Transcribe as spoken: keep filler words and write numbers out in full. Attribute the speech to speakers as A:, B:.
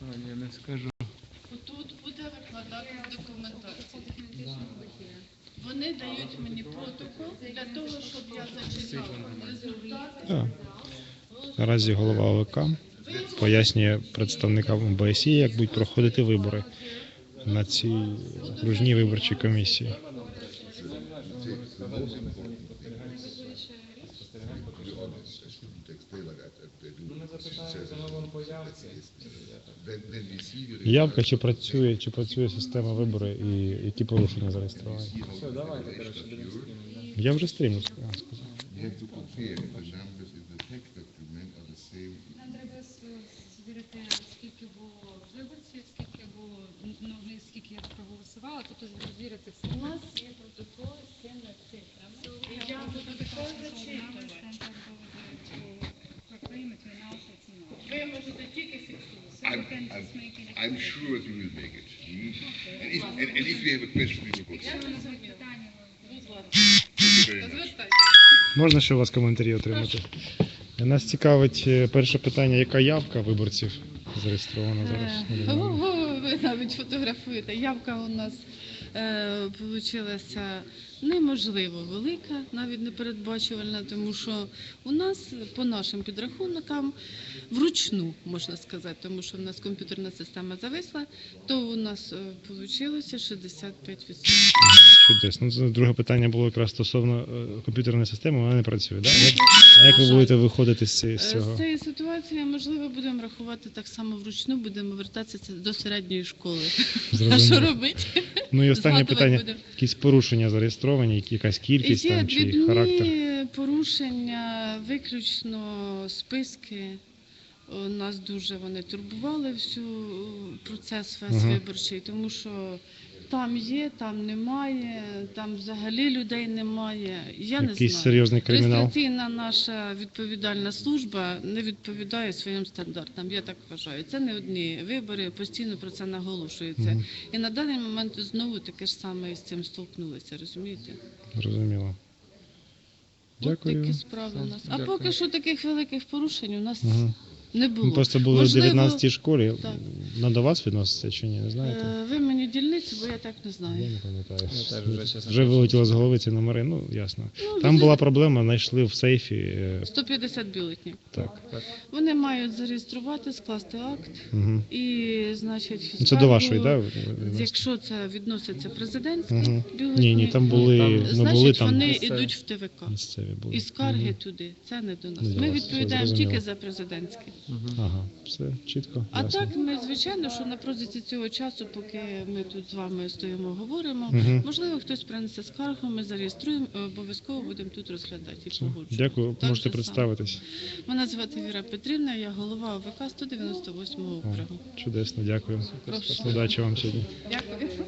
A: Я не скажу.
B: Тут буде викладатись документація. Вони дають мені протокол для того, щоб я зачитала результати.
C: Так. Наразі голова О В К пояснює представникам О Б С Є, як будуть проходити вибори на цій окружній виборчій комісії. Явка, чи працює, чи працює система вибору і які порушення зареєстровані?
A: Все, давайте, коротше, будемо стрімити.
C: Я вже стрімлю, сказав.
D: Нам треба звірити, скільки було виборців, скільки було, ну, не скільки я проголосувала, тобто звірити все.
B: У нас є протокол з цими цифрами. І я буду також зачитувати. Ви можете тільки фіксувати.
E: I'm, I'm, I'm sure that we will make it. Hmm? And, if, and, and if we have a question, we will go
B: Я
E: through.
B: зрозуміла. Будь ласка.
E: Thank you very much.
B: Звертайтеся.
C: Можна ще у вас коментарі отримати? Нас цікавить е, перше питання, яка явка виборців зареєстрована зараз?
B: Е, Ого, ви навіть фотографуєте. Явка у нас е, получилася неможливо велика, навіть непередбачувальна, тому що у нас по нашим підрахункам вручну, можна сказати, тому що в нас комп'ютерна система зависла, то у нас вийшло шістдесят п'ять відсотків.
C: Чудесно. Ну, це друге питання було якраз стосовно е, комп'ютерної системи, вона не працює, да? А як, а як ви будете виходити з цієї- з
B: З
C: цього?
B: цієї ситуації, можливо, будемо рахувати так само вручну, будемо вертатися до середньої школи. А що
C: Зрозуміло.
B: робити?
C: Ну і останнє
B: Згадувати
C: питання.
B: будемо.
C: Якісь порушення зареєстровані, які- якась кількість
B: Є
C: там, чи
B: дрібні
C: характер?
B: порушення, виключно списки. О, Нас дуже вони турбували всю процес весь
C: Ага.
B: виборчий, тому що там є, там немає, там взагалі людей немає. Я не
C: Якийсь
B: знаю.
C: серйозний кримінал?
B: Реєстраційна наша відповідальна служба не відповідає своїм стандартам, я так вважаю. Це не одні вибори, постійно про це наголошується.
C: Мгм.
B: І на даний момент знову таке ж саме із цим столкнулися, розумієте?
C: Зрозуміло.
B: От
C: Дякую.
B: такі справи у нас. А
A: Дякую.
B: поки що таких великих порушень у нас
C: Мгм.
B: не було.
C: Ми просто були
B: Можливо,
C: в дев'ятнадцятій школі.
B: так.
C: На до вас відноситься чи ні, не знаєте?
B: Е, Ви мені дільницю, бо я так не
C: Я
B: знаю.
C: не пам'ятаю.
A: Я теж вже, чесно
C: Вже вилетіло з голови ці номери, ну ясно.
B: Ну,
C: Там
B: дуже-
C: була проблема, знайшли в сейфі. е,
B: сто п'ятдесят бюлетнів.
C: Так.
B: Вони мають зареєструвати, скласти акт
C: Угу.
B: і, значить,
C: Це до
B: скаргу,
C: вашої, так? Да?
B: Якщо це відноситься президентські
C: Угу.
B: бюлетні,
C: Ні, ні, там були,
A: Там-
C: ми
B: значить,
C: були там
B: вони
A: місцеві.
B: йдуть в Т В К.
C: місцеві були.
B: І скарги
C: Мгм.
B: туди. Це не до нас.
C: Не до
B: Ми
C: вас,
B: відповідаємо
C: все
B: тільки
C: зрозуміло.
B: за президентські.
C: Ага, все чітко.
B: А
C: ясно.
B: так, ми, звичайно, що на протязі цього часу, поки ми тут з вами стоїмо, говоримо,
C: Мгм.
B: можливо, хтось принесе скаргу, ми зареєструємо, і обов'язково будемо тут розглядати і
C: Все.
B: погоджувати.
C: Дякую,
B: Так
C: можете
B: же
C: представитись.
B: само. Мене звати Віра Петрівна, я голова О В К сто дев'яносто восьмого
C: О,
B: округу.
C: чудесно, дякую.
B: Прошу.
C: Удачі вам сьогодні.
B: Дякую.